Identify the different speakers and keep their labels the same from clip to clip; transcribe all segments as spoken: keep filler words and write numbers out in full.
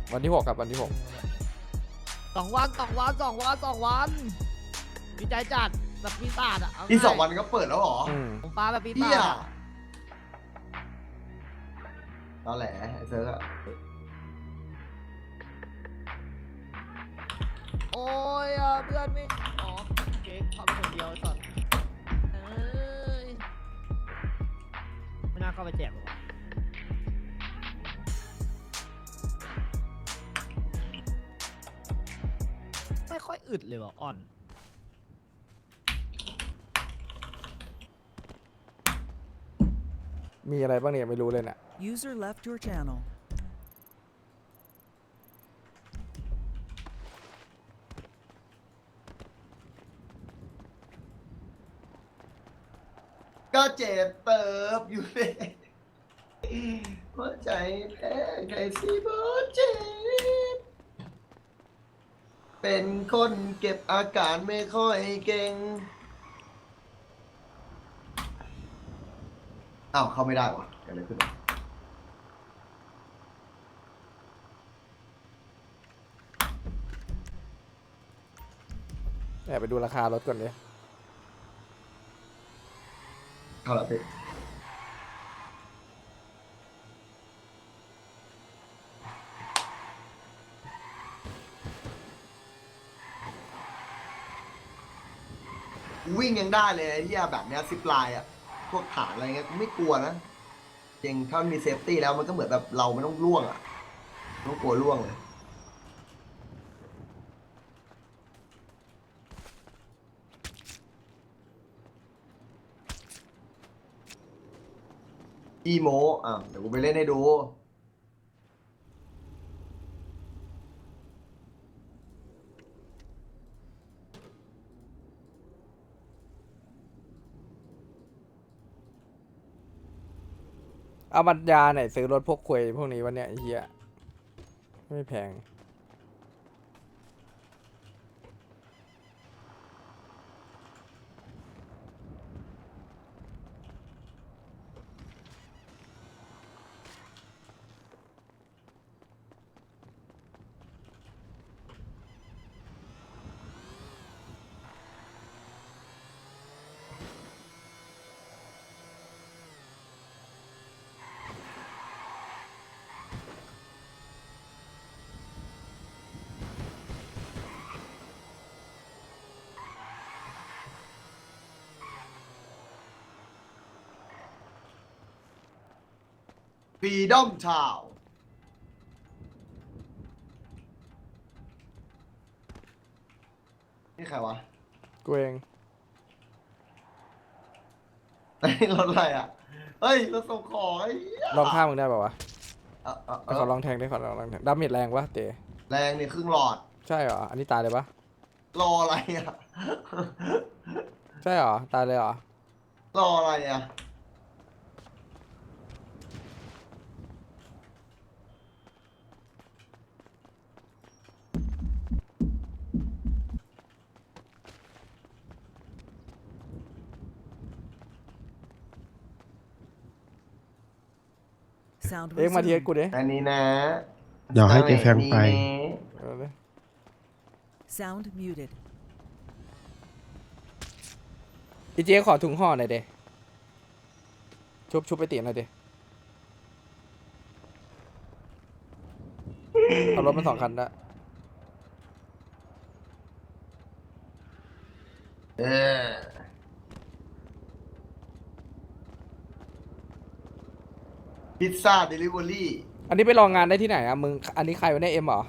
Speaker 1: วันที่หกครับวันที่หก
Speaker 2: สองวันสองวันสองวันสองวันดีใจจัดแบบปีศาจอ่ะเา
Speaker 3: อีกสอง
Speaker 2: ง่าย
Speaker 3: วันก็เปิดแล้วเหรอ
Speaker 1: อืม
Speaker 2: ผมปาแบบปี
Speaker 3: เฮี
Speaker 2: ศาย จอะ
Speaker 3: ตอแหลไอ้เซิร์กอะ
Speaker 2: โอ้ยอ่ะเพื่อนไม่อ๋อเค้กเข้าไปคนเดียวสัตว์เอ้ยไม่น่าเข้าไปแจกหรอกวะไม่ค่อยอึดเลยว่ะอ่อน
Speaker 1: มีอะไรบ้างเนี่ยไม่รู้เลยเนี่ย
Speaker 4: User left your channel.
Speaker 3: ก็เจ็บเติบอยู่เลยหัวใจแพ้ไก่สีบอเจ็บเป็นคนเก็บอาการไม่ค่อยเก่งอ้าวเข้าไม่ได้วะเกิดอะไรขึ้นวะ
Speaker 1: แอบไปดูราคารถก่อนดิ
Speaker 3: เข้าแล้วพี่วิ่งยังได้เลยไอ้ที่แบบเนี้ยซิปไลน์อะพวกฐานอะไรเงี้ยกูไม่กลัวนะจริงถ้ามันมีเซฟตี้แล้วมันก็เหมือนแบบเราไม่ต้องล่วงอะไม่ต้องกลัวล่วงเลยอีโมอ่ะเดี๋ยวกูไปเล่นให้ดู
Speaker 1: เอาบัตรยาไหนซื้อรถพวกควยพวกนี้วันเนี้ยไอ้เหี้ยไม่แพง
Speaker 3: ฟรีดอมชาวนี่ใครวะ
Speaker 1: กูเอง
Speaker 3: ไอ้รถอะไรอ่ะ เฮ้ยรถส่งของไอ้เหี้ย
Speaker 1: ลองข้ามมึงได้ป่าวะ
Speaker 3: เอ่อเอ่อ
Speaker 1: ไป
Speaker 3: เอ่
Speaker 1: ขอ
Speaker 3: อ
Speaker 1: ลองแทงได้ขอลองแทงดาเมจแรงวะเต๋
Speaker 3: แรงนี่ครึ่งหลอด
Speaker 1: ใช่เหรออันนี้ตายเลยปะ
Speaker 3: รออะไรอ่ะ
Speaker 1: ใช่เหรอตายเลยเหรอ
Speaker 3: รออะไรอ่ะ
Speaker 4: Sound
Speaker 1: เอ็กมาเทียส
Speaker 4: resumed.
Speaker 1: กูดิ
Speaker 3: อันนี้นะ
Speaker 5: เดี๋ยวให้เจแฟงไป
Speaker 3: นี่นะ
Speaker 1: เออดิ
Speaker 4: Sound muted.
Speaker 1: อีเจ๊ขอถุงห่อหน่อยเดชุบชุบไปตีหน่อยเดเอารถมาสองคันละ
Speaker 3: เออพิซซ่าเดลิเวอรี่
Speaker 1: อันนี้ไปลองงานได้ที่ไหนอะมึงอันนี้ใครวะเนี่ยเอ็มเหรอ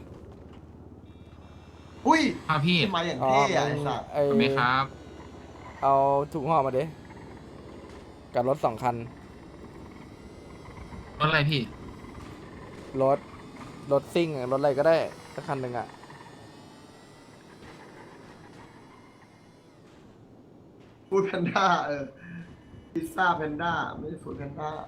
Speaker 3: อุ้ย
Speaker 6: ครับพี่
Speaker 3: ขึ้นมาอย่าง
Speaker 1: อ๋อ
Speaker 3: เท่อะ
Speaker 1: มึ
Speaker 3: ไอ้
Speaker 1: ง
Speaker 3: สัตว์
Speaker 1: ไอ้
Speaker 6: ทำไหมครับ
Speaker 1: เอาถุงห่อมาดิกับรถสองคัน
Speaker 6: รถอะไรพี่
Speaker 1: รถ รถซิ่งอะรถอะไรก็ได้สักคันหนึ่งอะ
Speaker 3: ฟูดแพนด้าเออ พิซซ่าแพนด้าไม่ใช่ฟูดแพนด้า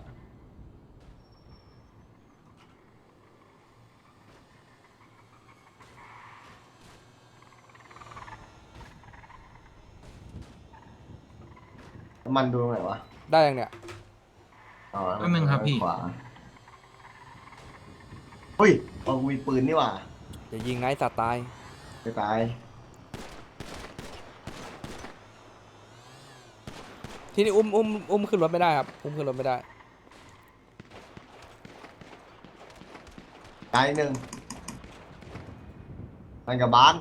Speaker 3: มันดูตรงไหนวะ
Speaker 1: ได้ยังเนี่ย
Speaker 3: อ๋อ
Speaker 6: แป๊บนึงครับพี่
Speaker 3: ขวาเฮ้ยเอามีปืนนี่หว่า
Speaker 1: อย่ายิงนะไอ้สัตว์ตาย
Speaker 3: ไปตาย
Speaker 1: ที่นี่อุ้มอุ้มอุ้มขึ้นรถไม่ได้ครับอุ้มขึ้นรถไม่ได้
Speaker 3: ตายหนึ่งมันกับบ้าน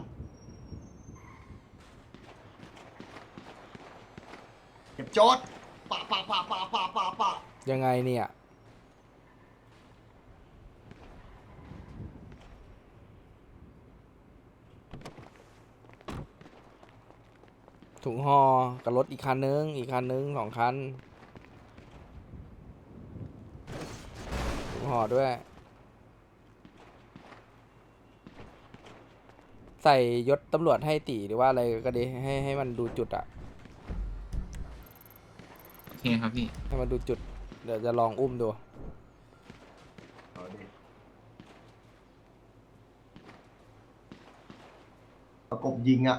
Speaker 3: เก็บโจทย์ปะปะปะปะปะปะปะ
Speaker 1: ยังไงเนี่ยถุงห่อกับรถอีกคันนึงอีกคันนึงสองคันถุงห่อด้วย ใส่ยศตำรวจให้ตีหรือว่าอะไรก็ดีให้ให้มันดูจุดอะ
Speaker 6: โอเคครับพี่
Speaker 1: ให้มันดูจุดเดี๋ยวจะลองอุ้มดู
Speaker 3: เอาดิประกบยิงอ่ะ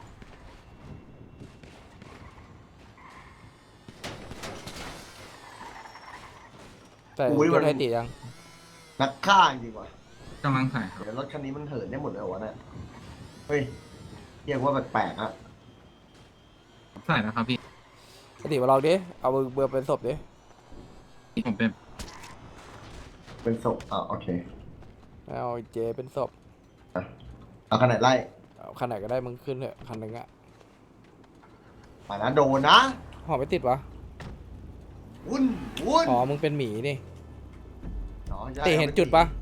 Speaker 1: ใส่
Speaker 3: อุ้ย
Speaker 1: ย
Speaker 3: มั
Speaker 1: ศ
Speaker 3: น
Speaker 1: ให้ตียัง
Speaker 3: นักฆ่าจริงว่ะ
Speaker 6: กำลังใส่ครับ
Speaker 3: เดี๋ยวรถคันนี้มันเหินได้หมดเลยเหรอวะเนี่ยเฮ้ยเรียกว่าแปลกๆอะ
Speaker 6: ใส่แล้วครับพี่
Speaker 1: ให้ตีมาลองดิเอาเบอร์เบอร์เป็นศพดิ
Speaker 6: ผมเป็น
Speaker 3: เป็นศพอ่ะโอเค
Speaker 1: เอาไอ้เจเป็นศพ
Speaker 3: เอาขนาดไล่
Speaker 1: เอาคันไหนก็ได้มึงขึ้นเถอะคันหนึ่งอะ
Speaker 3: ป่านะโดนนะ
Speaker 1: ห่อไม่ติดวะ
Speaker 3: วุ่นวุ่น
Speaker 1: อ๋อมึงเป็นหมีนี่
Speaker 3: อ๋อใช่
Speaker 1: ตีเห็นจุดปะ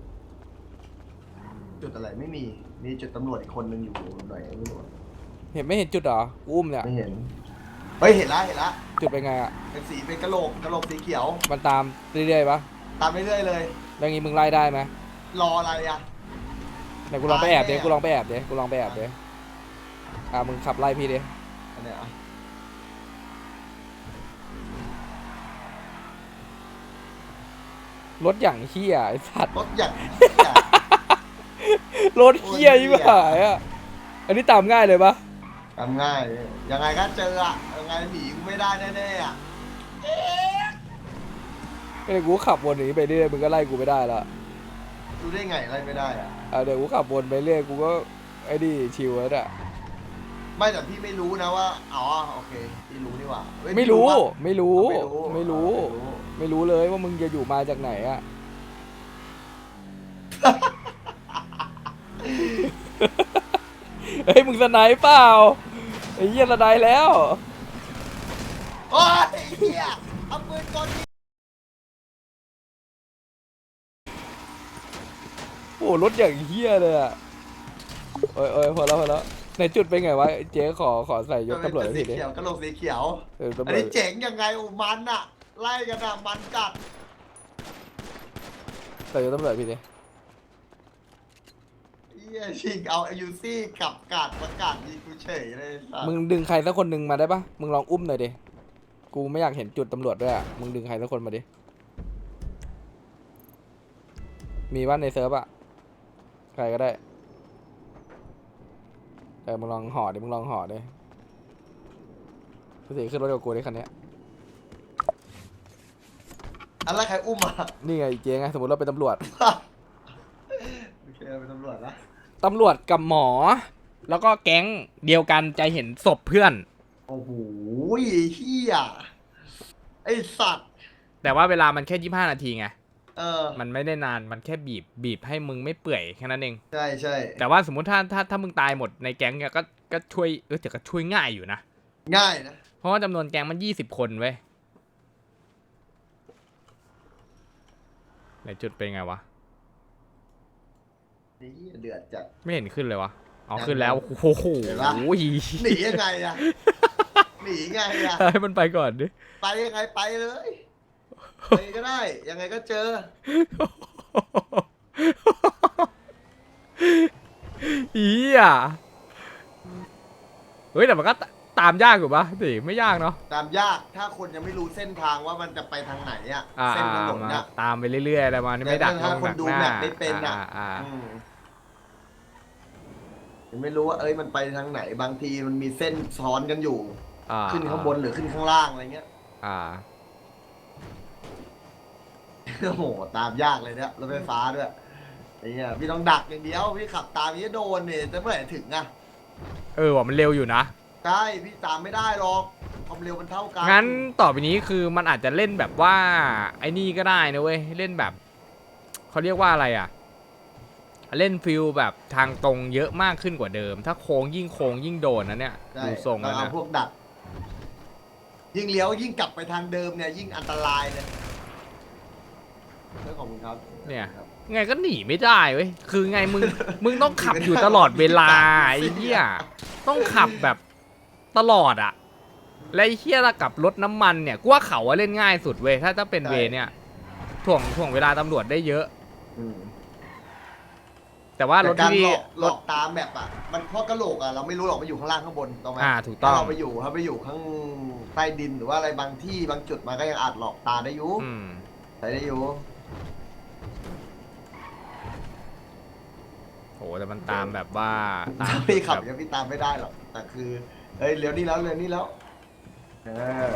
Speaker 3: จุดอะไรไม่มีมีจุดตำรวจอีกคนนึงอยู่หน่อยไม่รู้อะ
Speaker 1: เห็นไม่เห็นจุดเหรอกูอุ้มเนี่ย
Speaker 3: ไม่เห็นเฮ้ยเห็นละเห็นละ
Speaker 1: จุดเป็นไงอะ
Speaker 3: เป็นสีเป็นกระโหลกกระโหลกสีเขียว
Speaker 1: มันตามเรื่อยๆปะ
Speaker 3: ตามเรื่อยๆเลย
Speaker 1: แล้วงี้มึงไล่ได้ไหม
Speaker 3: รออะไรอ่ะ
Speaker 1: ไหนกูลองไปแอบดิ
Speaker 3: ตายแน่
Speaker 1: กูลองไปแอบดิกูลองไปแอบดิอ่ะมึงขับไล่พี่ดิ
Speaker 3: อันเนี้ยอ่ะ
Speaker 1: รถอย่างเฮียไอ้สัตว์
Speaker 3: รถอย่าง
Speaker 1: รถเฮียยิ่งหายอ่ะอันนี้ตามง่ายเลยปะ
Speaker 3: ทำง่ายเลยยังไงก็เจออ่ะยังไงหนีกูไม่ได้แน่ๆอ่ะ
Speaker 1: ไอ้กูขับวนอย่างนี้ไปเรื่อยมึงก็ไล่กูไม่ได้ละ
Speaker 3: ดูได้ไงอะไรไม่ได้อ่ะ
Speaker 1: อ่ะเดี๋ยวกูขับวนไปเรื่อยกูก็ไอ้นี่ชิวแล้วอ่ะ
Speaker 3: ไม่แต่พี่ไม่รู้นะว่าอ๋อโอเคพี่รู้นี่หว่าเฮ้ย
Speaker 1: ไม่รู้
Speaker 3: ปะ
Speaker 1: ไม่รู้
Speaker 3: อ๋อ
Speaker 1: ไม่รู้
Speaker 3: อ๋อ
Speaker 1: ไม่รู้เลยว่ามึงจะอยู่มาจากไหนอ่ะ เฮ้ยมึงสไนป์เปล่าไอ้เหี้ยสไนป์แล้ว
Speaker 3: โอ้ยเฮียเอาปืนกลยิง
Speaker 1: โอ้รถอย่างเหี้ยเลยอ่ะโอ้ยโอ้ยพอแล้วพอแล้วในจุดเป็นไงวะเจ๊ขอขอใส่ยศตำรวจ
Speaker 3: เป็น
Speaker 1: ให้
Speaker 3: สี
Speaker 1: ทีดิ
Speaker 3: เขียวกระโหลกสีเขียว
Speaker 1: เออตำร
Speaker 3: อัน
Speaker 1: วจ
Speaker 3: นี้เจ๋งยังไงโอ้มันอะไล่กันอะมันจัด
Speaker 1: ใส่ยศตำรวจพี่ดิ
Speaker 3: เฮียชิงเอาไอยูซี่กลับกาดประกาศยิงกูเฉยเลยสัส
Speaker 1: มึงดึงใครสักคนหนึ่งมาได้ปะมึงลองอุ้มหน่อยดิกูไม่อยากเห็นจุดตำรวจด้วยอ่ะมึงดึงใครสักคนมาดิมีบ้านในเซิร์ฟอ่ะใครก็ได้เออมึงลองห่อดิมึงลองห่อดิพี่สีขึ้นรถกับกูดิคันเนี้ย
Speaker 3: อันแรกใครอุ้มอะ
Speaker 1: นี่ไงเจ๊ไงสมมติเราเป็นตำรวจ
Speaker 3: โอเคเป็นตำรวจนะ
Speaker 1: ตำรวจกับหมอ แล้วก็แก๊งเดียวกันจะเห็นศพเพื่อน
Speaker 3: โอ้โหเฮียไอสัตว์
Speaker 1: แต่ว่าเวลามันแค่ยี่ห้านาทีไง
Speaker 3: เออ
Speaker 1: มันไม่ได้นานมันแค่บีบบีบให้มึงไม่เปื่อยแค่นั้นเอง
Speaker 3: ใช่ใช่
Speaker 1: แต่ว่าสมมุติถ้าถ้าถ้ามึงตายหมดในแก๊งเนี่ยก็ก็ช่วยเออแต่ก็ช่วยง่ายอยู่นะ
Speaker 3: ง่ายนะ
Speaker 1: เพราะว่าจำนวนแก๊งมันยี่สิบคนเว้ยไหนจุดเป็นไงวะ
Speaker 3: นี่เดือดจัด
Speaker 1: ไม่เห็นขึ้นเลยวะอ๋อ
Speaker 3: ยัง
Speaker 1: ขึ้นแล้ว
Speaker 3: ยัง
Speaker 1: โอ้โห
Speaker 3: เห็นปะ หนียังไงอะหนีไงอะ
Speaker 1: ให้มันไปก่อนดิ
Speaker 3: ไปยังไงไปเลยไปก็ได้ ยังไงก็เจอ
Speaker 1: อีอ่ะเฮ้ยแต่มันก็ตตามยากอยู่ปะสิไม่ยากเนาะ
Speaker 3: ตามยากถ้าคนยังไม่รู้เส้นทางว่ามันจะไปทางไหนอะ
Speaker 1: อ่า
Speaker 3: เส้นถนน
Speaker 1: มา
Speaker 3: อะ
Speaker 1: ตามไปเรื่อยๆอะไรมานี่ไม่ดัก
Speaker 3: แต่ถ้า
Speaker 1: ลง
Speaker 3: คน
Speaker 1: ดัก
Speaker 3: ดู
Speaker 1: หน้า
Speaker 3: แมปไม่เป็นอะ
Speaker 1: อ่าอ่า
Speaker 3: อืมยังไม่รู้ว่าเอ้ยมันไปทางไหนบางทีมันมีเส้นซ้อนกันอยู่
Speaker 1: อ่า
Speaker 3: ขึ้นข้างบนหรือขึ้นข้างล่างอะไรเงี้ย
Speaker 1: อ่า
Speaker 3: โอ้โหตามยากเลยเนี่ยรถไฟฟ้าด้วยไอ้เหี้ยพี่ต้องดักอย่างเดียวพี่ขับตามพี่จะโดนเนี่ยจะเมื่อไหร่ถึงอะ
Speaker 1: เออว่ามันเร็วอยู่นะ
Speaker 3: ใช่พี่ตามไม่ได้หรอกความเร็วมันเท่ากัน
Speaker 1: งั้นต่อไปนี้คือมันอาจจะเล่นแบบว่าไอ้นี่ก็ได้นะเว้ยเล่นแบบเขาเรียกว่าอะไรอ่ะเล่นฟิลแบบทางตรงเยอะมากขึ้นกว่าเดิม ถ้าโค้งยิ่งโค้งยิ่งโดนนะเนี่ย
Speaker 3: ใช่
Speaker 1: ดูทรง
Speaker 3: เรา
Speaker 1: แล้ว
Speaker 3: เอา
Speaker 1: นะ
Speaker 3: พวกดัก ยิ่งเลี้ยวยิ่งกลับไปทางเดิมเนี่ยยิ่งอันตรายเลยเรื่องของมึงครับ
Speaker 1: เนี่ยไงก็หนีไม่ได้เว้ยคือไงมึงมึงต้องขับอยู่ตลอดเวลาไอ้เหี้ยต้องขับแบบตลอดอ่ะและไอ้เหี้ยระกับรถน้ำมันเนี่ยกูว่าเขาว่าเล่นง่ายสุดเว้ยถ้าจะเป็นเวเนี่ยถ่วงถ่วงเวลาตำรวจได้เยอะ
Speaker 3: อืม
Speaker 1: แต่ว่ารถ
Speaker 3: แต่การ
Speaker 1: ที่
Speaker 3: หลอกหล
Speaker 1: ร
Speaker 3: อ
Speaker 1: ถ
Speaker 3: กตามแบบอ่ะมันเพราะกระโหลกอ่ะเราไม่รู้หรอกมันอยู่ข้างล่างข้างบนถูกต้องไหม
Speaker 1: อ่าถูกต้อง
Speaker 3: ถ้าเราไปอยู่ถ้าไปอยู่ข้างใต้ดินหรือว่าอะไรบางที่บางจุดมันก็ยังอาจหลอกตาได้อยู่
Speaker 1: อืม
Speaker 3: ใช้ได้อยู่
Speaker 1: โหแต่มันตามแบบว่าตาม
Speaker 3: ถ้าพี่ขับ
Speaker 1: แบบ
Speaker 3: ยังพี่ตามไม่ได้หรอกแต่คือเฮ้ยเลี้ยวนี่แล้วเลี้ยวนี่แล้วเออ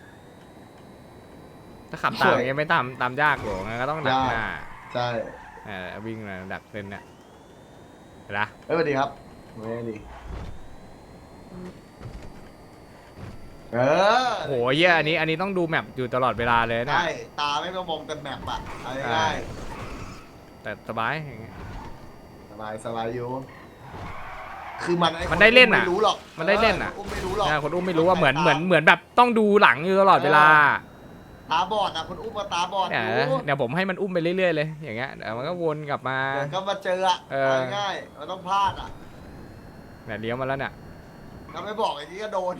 Speaker 1: ถ้าขับตามอย่างเงี้ยไม่ตามตามยากหรอกงั้นก็ต้องดักหน้า
Speaker 3: ใช่
Speaker 1: เออวิ่งมาดักเส้นเนี่ยเห็นปะ
Speaker 3: เอ้ยสวัสดีครับไม่ดีเออ
Speaker 1: โหเหี้ยอันนี้อันนี้ต้องดูแมปอยู่ตลอดเวลาเลยนะ
Speaker 3: ใช่ตาไม่ต้องมองแต่แมปอ่ะเอาง่าย
Speaker 1: แต่สบายอย่างเงี้ย
Speaker 3: ๆสบายสบายอยู่คือมันอ้
Speaker 1: มันได้เล่นอะ
Speaker 3: ไม่รู้หรอก
Speaker 1: มันได้เล่นอะ
Speaker 3: อุ้มไม่รู้หรอก
Speaker 1: นะคนอุ้มไม่รู้ว่าเหมือนเหมือนเหมือนแบบต้องดูหลังอยู่ตลอดเวลา
Speaker 3: ตาบอดอ่ะคนอุ้มมาตาบอด
Speaker 1: เนี่ย
Speaker 3: รู้
Speaker 1: เดี๋ยวผมให้มันอุ้มไปเรื่อยๆเลยอย่างเงี้ยเดี๋ยวมันก็วนกลับมา
Speaker 3: เดี๋ยวก็มาเจออ่ะ
Speaker 1: เออ
Speaker 3: เอาง่ายๆมันต้องพลาดอ่ะ
Speaker 1: เนี่ยเลี้ยวมาแล้วเนี่ย
Speaker 3: ถ้าไม่บอกอย่างนี้ก็โดน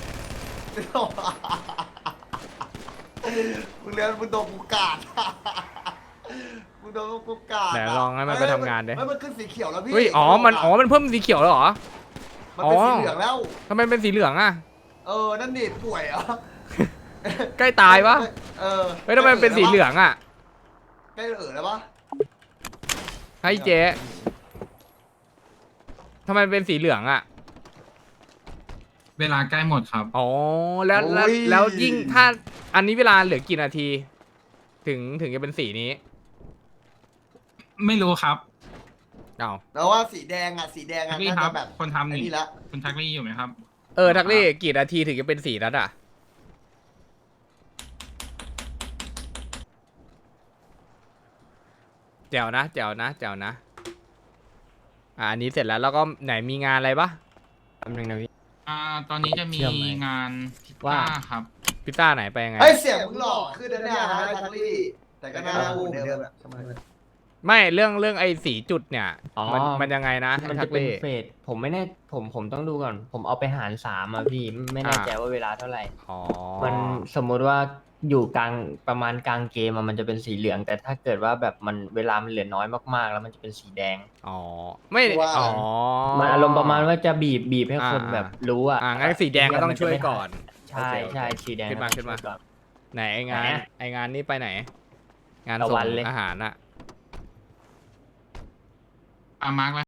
Speaker 3: มึงเรียนมึงโดนกูกาด มึงโดนกูกาด
Speaker 1: เดี๋ยวลองให้มันไปทำงานดิ
Speaker 3: เฮ้ยมันขึ้นสีเขียวแล้วพี่
Speaker 1: เฮ้ยอ๋อมันอ๋อมันเพิ่มสีเขียวแล้วเหรอ
Speaker 3: มันเป็น
Speaker 1: อ๋อ
Speaker 3: สีเหลืองแล้ว
Speaker 1: ทำไมเป็นสีเหลืองอ่ะ
Speaker 3: เออ นั่นดิป่วยเหรอ
Speaker 1: ใกล้ตายปะ
Speaker 3: เออ
Speaker 1: เฮ้ยทำไมมันเป็นสีเหลืองอ่ะ
Speaker 3: ใกล้เออแล้วปะ
Speaker 1: ให้เจ๊ทำไมมันเป็นสีเหลืองอ่ะ
Speaker 6: เวลาใกล้หมดครับ
Speaker 1: อ๋อแล้วแล้วแล้วยิ่งถ้าอันนี้เวลาเหลือกี่นาที ถึงถึงจะเป็นสีนี้
Speaker 6: ไม่รู้ครับ
Speaker 1: อ้าว
Speaker 3: แล้วว่าสีแดงอ่ะสีแดง
Speaker 6: ทั
Speaker 3: อ่ะ
Speaker 6: กลี่
Speaker 3: น่า
Speaker 6: ครั
Speaker 3: จะ
Speaker 6: บ
Speaker 3: แบบ
Speaker 6: คนทำ
Speaker 3: ไอ้
Speaker 6: นี่
Speaker 3: นี่ละ
Speaker 6: คุณทักลี่อยู่ไหมครับ
Speaker 1: เออทักลี่กี่นาทีถึงจะเป็นสีนั้นอ่ะแจ๋วนะแจ๋วนะแจ๋วนะอ่าอันนี้เสร็จแล้วแล้วก็ไหนมีงานอะไรปะ
Speaker 7: แป๊บนึงนะพี่
Speaker 6: อ่า ตอนนี้จะมี
Speaker 7: เชื่อมไหม
Speaker 6: งานพิซ
Speaker 7: ว่า
Speaker 6: ซ่าครับ
Speaker 1: พิซซ่าไหนไปยังไง
Speaker 3: เฮ้ยเสียงมึงหลอกขึ้นนะเนี่ยนะทักลี่แต่ก็น่าพูดเหมือนเดิมอะ
Speaker 1: ไม่เรื่องเรื่องไอ้สีจุดเนี่ย
Speaker 7: อ๋อ
Speaker 1: มันมันยังไงนะ
Speaker 7: มัน
Speaker 1: ทั
Speaker 7: จะ
Speaker 1: ก
Speaker 7: เป็น
Speaker 1: ลี่
Speaker 7: เฟสผมไม่แน่ผมผมต้องดูก่อน ผมเอาไปหารสามอ่ะพี่ไม่แน่ใจ
Speaker 1: อ่า
Speaker 7: ว่าเวลาเท่าไหร่
Speaker 1: อ๋อ
Speaker 7: มันสมมุติว่าอยู่กลางประมาณกลางเกมอะมันจะเป็นสีเหลือง แต่ถ้าเกิดว่าแบบมันเวลามันเหลือน้อยมากๆ แล้วมันจะเป็นสีแดง
Speaker 1: อ๋อไม่
Speaker 3: ว่า
Speaker 1: อ๋อ
Speaker 7: มันอารมณ์ประมาณว่าจะบีบบีบให้คน
Speaker 1: อ่า
Speaker 7: แบบรู้อ่ะ
Speaker 1: อ่างั้นสีแดงก็ต้องช่วยก่อน
Speaker 7: ใช่ใช่สีแดง
Speaker 1: ขึ้นมา
Speaker 7: ต้อง
Speaker 1: ขึ้นมา
Speaker 7: ช่วยก่อน
Speaker 1: ไหนไองาน
Speaker 7: ไหนอะ
Speaker 1: ไองานนี้ไปไหน งาน
Speaker 7: ตะ
Speaker 1: ส่
Speaker 7: วัน
Speaker 1: ง
Speaker 7: เลย
Speaker 1: อาหารอะ
Speaker 6: อ่ามาร์ก